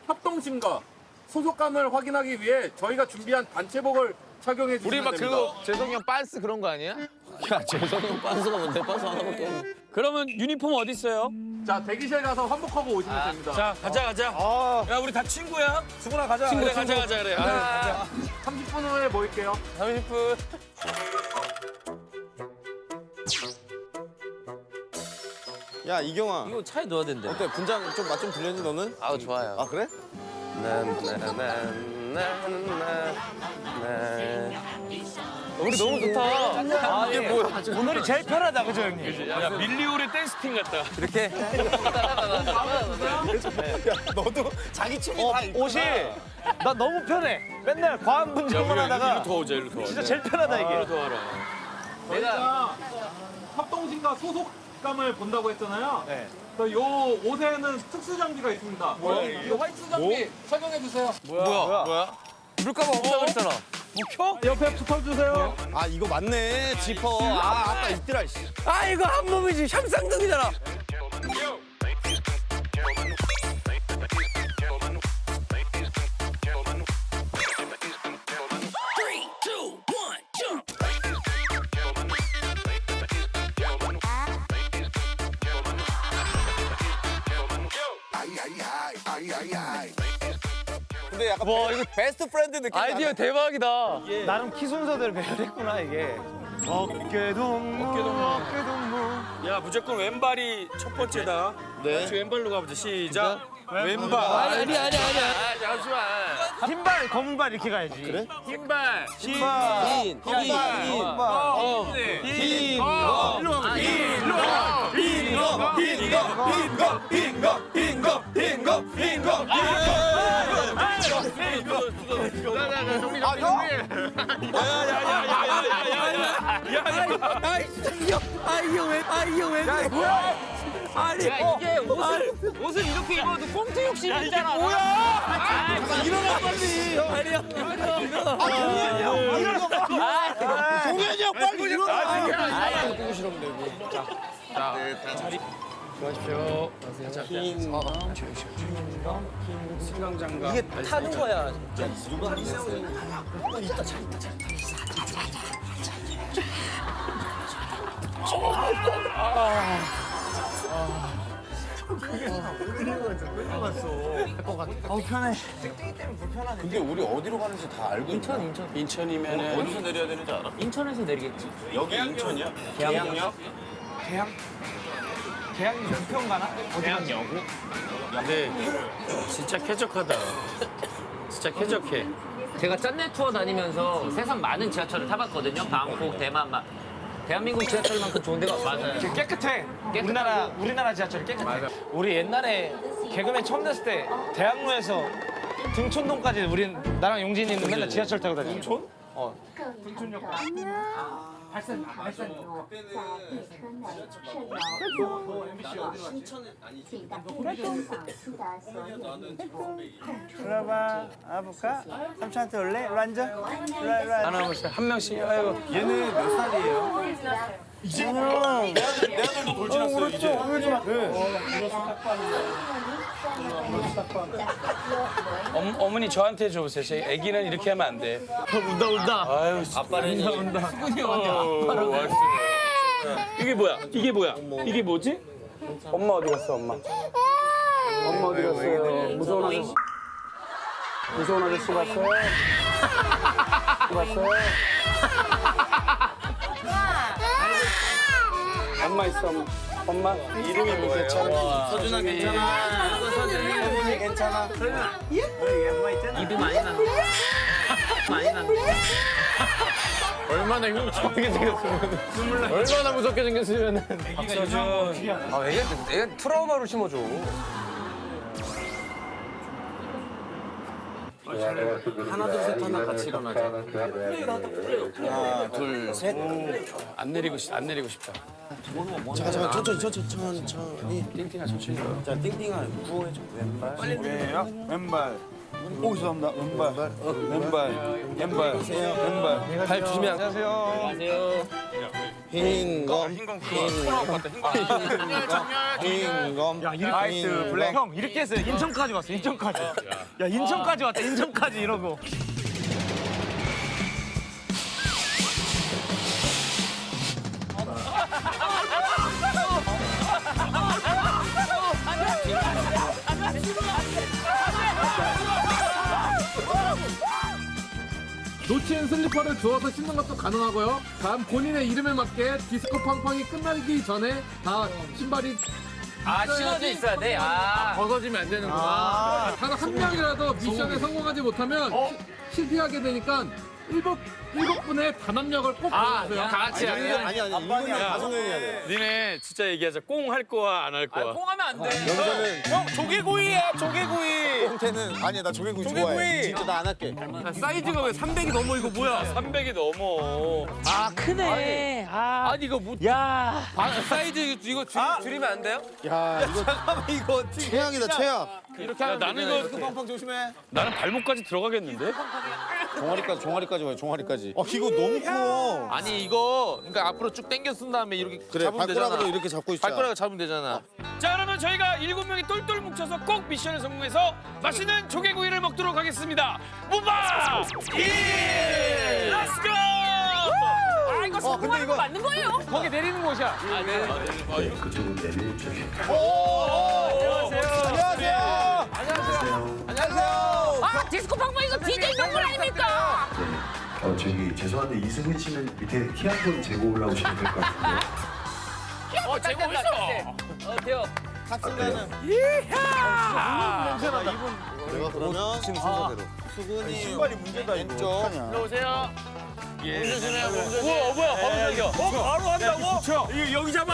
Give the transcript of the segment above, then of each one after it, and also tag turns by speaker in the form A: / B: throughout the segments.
A: 협동심과 소속감을 확인하기 위해 저희가 준비한 단체복을 착용해 주시면
B: 우리 막
A: 됩니다.
B: 그거 재성이 형 빤스 그런 거 아니야?
C: 야, 재성이 형 빤스가 뭔데? 빤스 하나밖에 없네.
D: 그러면 유니폼 어디 있어요?
A: 자, 대기실 가서 환복하고 오시면 됩니다.
D: 자, 가자. 야, 우리 다 친구야.
A: 수근아 가자.
D: 그래, 가자 그래. 아,
A: 30분 후에 모일게요.
D: 30분.
C: 야, 이경아.
D: 이거 차에 넣어야 된대.
C: 어때? 분장 좀 맛 좀 들렸니, 너는?
B: 아 좋아요.
C: 아, 그래?
D: 우리 너무 좋다. 아, 이게 뭐야? 오늘이 제일 편하다, 그죠, 형님? 야, 밀리오리 댄스팀 같다.
B: 이렇게
C: 너도 자기 춤이 다 있구나.
E: 옷이 나 너무 편해. 맨날 과한 분장만 하다가
D: 더 오자, 일로 더.
E: 진짜 제일 편하다 이게.
D: 더 알아.
A: 저희가 협동심과 소속감을 본다고 했잖아요.
E: 네.
A: 그래서 요 옷에는 특수 장비가 있습니다. 뭐야? 이 화이트 장비 착용해 주세요.
B: 뭐야? 물가방 없다 그랬잖아.
A: 옆에 붙어주세요.
C: 아, 이거 맞네. 지퍼. 아, 아까 있더라, 씨.
B: 아 이거 한 몸이지 샴쌍둥이잖아.
C: 근데 약간 이거 베스트 프렌드 느낌.
B: 아이디어 대박이다.
E: 나름 키 순서대로 배열했구나 이게. 어깨동무.
D: 야, 무조건 왼발이 첫 번째다.
C: 네.
D: 같이 왼발로 가보자. 시작. 왼발.
B: 아니야. 잠시만.
E: 흰발 검은발 이렇게 가야지. 그래?
D: 흰발.
B: 흰.
D: 아니, 이게 옷을 이렇게 입어도 꽁트 욕심이 있잖아.
C: 일어나, 빨리.
B: 아니야.
C: 동현이 형, 빨리 일어나.
B: 보고 싫으면 되고.
D: 승강장갑.
B: 이게 타는 거야.
C: 근데 우리 어디로 가는지 다 알고 있나?
D: 인천이면은
C: 어디서 내려야 되는지 알아?
D: 인천에서 내리겠지.
C: 여기 인천이야? 계양역?
E: 계양 연평 가나?
D: 근데 진짜 쾌적하다. 진짜 쾌적해.
F: 제가 짠내 투어 다니면서 세상 많은 지하철을 타봤거든요. 방콕, 대만 막. 대한민국 지하철만큼 좋은 데가 맞아요.
E: 깨끗해. 우리나라 지하철이 깨끗해. 우리 옛날에 개그맨 처음 됐을 때 대학로에서 등촌동까지 우린 나랑 용진이는 맨날 지하철 타고 다녔어. 등촌? 어. 들어봐. 아볼까? 삼촌한테 올래? 일로 앉아. 일로 앉아.
D: 하나씩 한 명씩. 아이고.
C: 얘는 몇 살이에요? 내 아들도 돌진했어요, 이제.
D: 어머니 저한테 줘보세요. 제 아기는 이렇게 하면 안 돼.
B: 운다.
D: 아유,
B: 아빠는
D: 수근이 형한테 이게 뭐야? 이게 뭐지? 엄마 어디 갔어, 엄마? 엄마 어디 갔어요? 무서운 아저씨. 무서운 아저씨 봤어요? 봤어요? 엄마 있어, 엄마. 이름이 뭐 괜찮아?
B: 서준아 괜찮아.
E: 서준이 괜찮아. 우리 엄마 있잖아.
F: 입이 많이 나. 많이 나.
B: 얼마나 흉측하게 생겼으면. 얼마나 무섭게 생겼으면.
D: 박서준.
B: 아 애가 트라우마로 심어줘.
C: 하나, 둘, 셋 하나 같이 일어나자. 하나, 둘, 셋.
D: 안 내리고 싶다.
C: 잠깐, 천천히.
D: 띵띵아 천천히 가.
C: 자, 띵띵아, 구호해줘. 왼발.
E: 왼발. 오, 죄송합니다. 왼발. 왼발. 왼발.
B: 발 조심해.
E: 안녕하세요.
F: 안녕하세요.
C: 흰검
E: 야 이렇게 블랙. 형 이렇게 했어요. 인천까지 왔어. 인천까지. 야 인천까지 왔다. 인천까지 이러고.
A: 놓친 슬리퍼를 주워서 신는 것도 가능하고요. 다음 본인의 이름에 맞게 디스코 팡팡이 끝나기 전에 다 신발이
F: 아, 신어져 있어야 돼? 아.
B: 벗어지면 안 되는구나.
A: 단 한 명이라도 미션에 성공하지 못하면 실패하게 되니까 일곱 분의 단합력을 꼭 보여주세요.
B: 다 같이 아니야.
C: 아니 일본이랑 다섯 명이 해야 돼.
B: 니네 진짜 얘기하자. 꽁 할 거야, 안 할 거야?
F: 꽁하면 안 돼.
C: 여기서는
E: 형 조개구이야 조개구이.
C: 형태는 아니야 나 조개구이 좋아해. 진짜 나 안 할게.
B: 사이즈가 왜 300이 넘어? 이거 뭐야? 300이 넘어.
E: 아 크네. 아
B: 아니 이거 뭐?
E: 야.
B: 사이즈 이거 줄이면 안 돼요?
C: 야 이거
E: 잠깐만 이거 어떻게?
C: 최악이다 최악.
B: 이렇게 하면 나는 이거
C: 팡팡 조심해.
B: 나는 발목까지 들어가겠는데?
C: 종아리까지 와요 종아리까지. 이거 너무 커.
B: 아니 이거 그러니까 앞으로 쭉 당겨 쓴 다음에 이렇게
C: 그래
B: 잡으면 되잖아.
C: 발가락으로 이렇게 잡고 있자.
B: 발가락 잡으면 되잖아. 자 그러면 저희가 7명이 똘똘 뭉쳐서 꼭 미션을 성공해서 맛있는 조개구이를 먹도록 하겠습니다. 무바 1 렛츠고!
F: 아, 이거 성공하는 거 맞는 거예요?
E: 거기 내리는 곳이야.
G: 그쪽으로 내려주세요.
C: 안녕하세요.
F: 아, 디스코 팡팡 이거 DJ 명물 아닙니까?
G: 저기 죄송한데 이승훈 씨는 밑에 키 한 번 재고 올라오시면 될 것 같은데요.
F: 제고 있어. 돼요.
C: 탑승가는. 내가 그러면 지금 순서대로. 수근이 신발이 문제다 이거. 왼쪽.
B: 오세요. 예. 우와 뭐야 바로 생겨.
E: 바로 한다고? 이거 여기 잡아.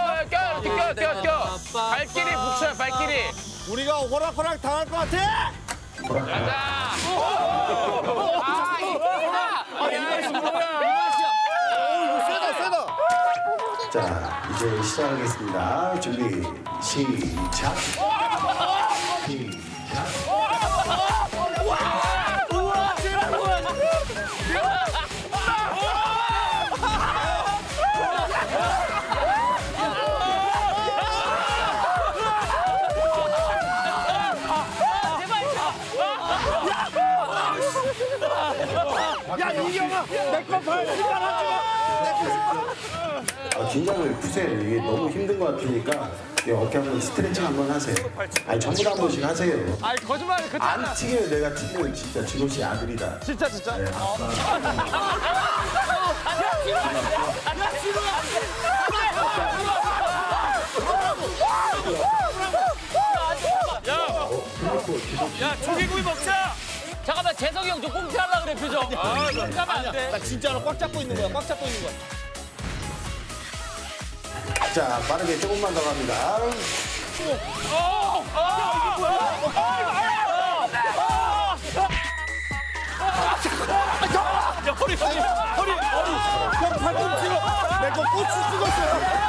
B: 껴. 발길이 붙여 발길이.
C: 우리가 호락호락 당할 것 같아.
B: 가자.
F: 아, 이거 뭐야?
C: 세다 세다.
G: 자, 이제 시작하겠습니다. 준비, 시작. 시작.
E: 야 이경아 내거발 신발 하지 마.
G: 긴장을 푸세요. 이게 너무 힘든 것 같으니까 이 어깨 한번 스트레칭 한번 하세요. 아니, 전부 다 한 번씩 하세요.
E: 아니 거짓말 그때
G: 안 튀겨요. 내가 튀기면 진짜 진호 씨 아들이다.
E: 진짜.
G: 네,
B: 야 조개구이 먹자.
F: 잠깐만, 재석이 형 좀 꽁트하려고 그래, 표정. 꽁트하면 안 돼.
C: 나 진짜로 꽉 잡고 있는 거야. 꽉 잡고 있는 거야.
G: 자, 빠르게 조금만 더 갑니다.
C: 형 팔꿈치로 내거 고추 찍었어요.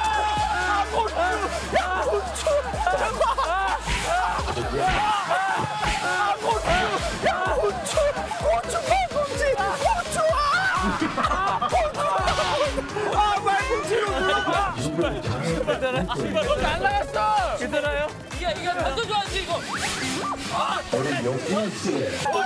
E: 날라갔어. 괜찮아요?
F: 이거 완전 좋아하지, 이거.
G: 우리 영훈 씨.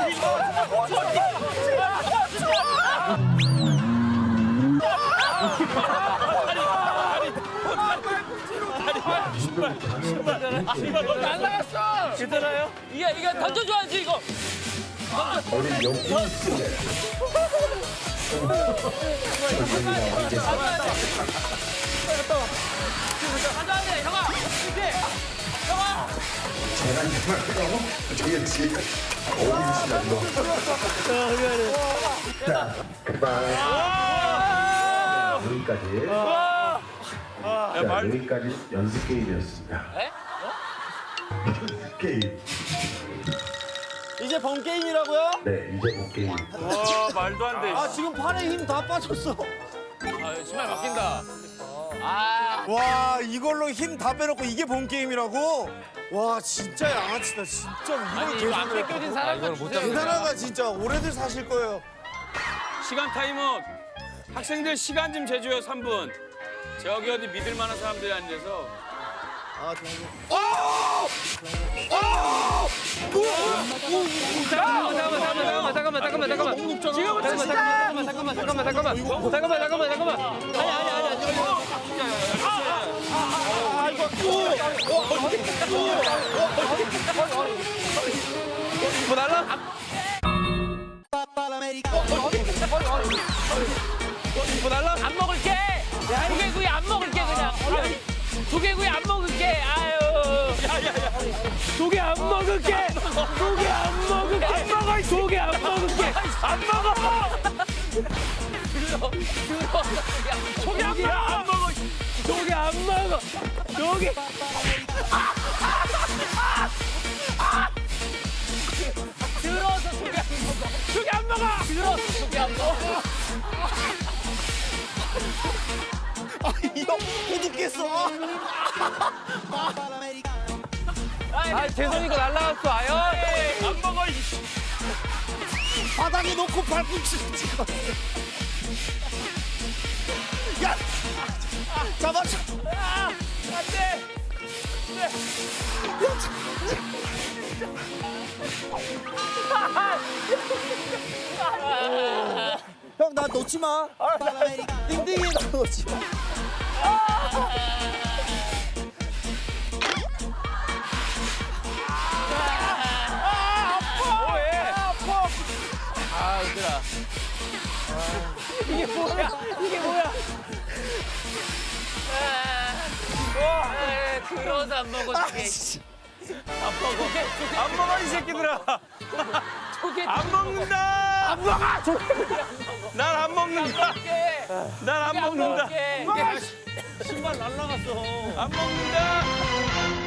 E: 날라갔어. 괜찮아요?
F: 이거 던져 좋아하지, 이거.
G: 우리 영훈 씨.
F: 가자, 형아. 이제. 형아.
G: 제가 정말 저게 지금 어울리시다 이거. 자, 그만. 여기까지. 자, 여기까지 연습 게임이었습니다. 연습 게임.
C: 이제 번 게임이라고요?
G: 네, 이제 본 게임.
B: 와 말도 안 돼.
C: 아 지금 팔에 힘 다 빠졌어.
B: 신발 바뀐다.
C: 와 이걸로 힘 다 빼놓고 이게 본 게임이라고? 와 진짜 양아치다 진짜 이걸
B: 이거 안
C: 계산을 해.
B: 뺏겨진 사람 못
C: 대단하다 진짜 오래들 사실 거예요.
B: 시간 타임업. 학생들 시간 좀 재줘요. 3분. 저기 어디 믿을 만한 사람들이 앉아서.
F: 안 먹을게. 조개구이 안 먹을게 그냥. 조개구이 안 먹을게. 아유. 조개 안 먹을게. 조개 안 먹을게. 안 먹어. 조개 안 먹을게. 안 먹어. 조개 안 먹어. 조개 안 먹어. 조개. 들어서 조개 안 먹어. 조개 안 먹어. 들어서 조개 안 먹어.
C: 이거 호두겠어.
F: 아, 죄송이가 날라갔어. 아유.
B: 안 먹어. 이씨.
C: 바닥에 놓고 밟고 찍어. 야, 잡아줘.
F: 안 돼.
C: 형, 나 놓지 마. 띵띵이 나 놓지 마.
F: 아, 웃기다. 이게 뭐야? 이게 뭐야? 들어서 안 먹어, 조개.
B: 안 먹어 이 새끼들아.
F: 조개
B: 안 먹는다. 안 먹어. 난 안 먹는다. 난 안 먹는다.
F: 먹을게.
E: 신발 날라갔어.
B: 안 먹는다.